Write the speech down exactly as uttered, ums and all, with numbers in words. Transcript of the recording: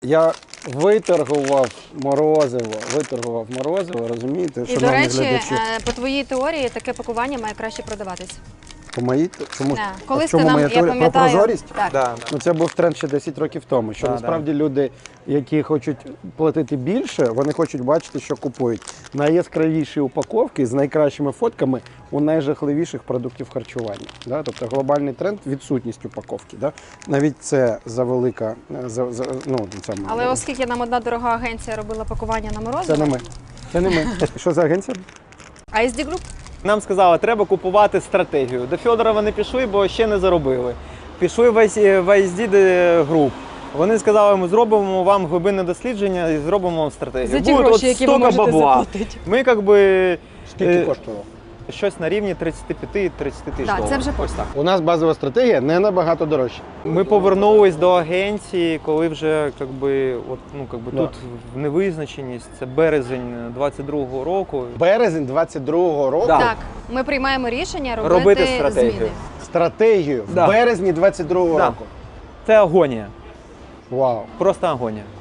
Я виторгував морозиво, виторгував морозиво, розумієте, І, шановні до речі, глядачі. по твоїй теорії таке пакування має краще продаватись. По моїй, чому, Да. а Колись в чому ти нам, моя я теорія? Про пам'ятаю, прозорість? так. Да, да. Ну, це був тренд ще десять років тому, що Да, насправді люди, які хочуть платити більше, вони хочуть бачити, що купують. Найяскравіші упаковки з найкращими фотками у найжахливіших продуктів харчування. Да? Тобто глобальний тренд – відсутність упаковки. Да? Навіть це завелика, за, за, ну, це ми. Але оскільки нам одна дорога агенція робила пакування на морозиво, Це не ми. Це не ми. Що за агенція? ай ес ді Group? Нам сказали, треба купувати стратегію. До Федорова не пішли, бо ще не заробили. Пішли в ай ес ді Group. Вони сказали, ми зробимо вам глибинне дослідження і зробимо вам стратегію. За ті Буде гроші, от які ви стільки можете бабла. заплатити. Ми якби Скільки е, коштувало? щось на рівні тридцять п'ять - тридцять тисяч Так, доларів. це вже Ось потім. так. У нас базова стратегія не набагато дорожча. Ми повернулись до агенції, коли вже якби, от, ну, якби, Да. тут в невизначеність. Це березень двадцять другого року. Березень двадцять другого року Да. Так, ми приймаємо рішення робити, Робити стратегію. зміни. стратегію Да. в березні двадцять другого Да. року. Це агонія. Вау. Просто агонія.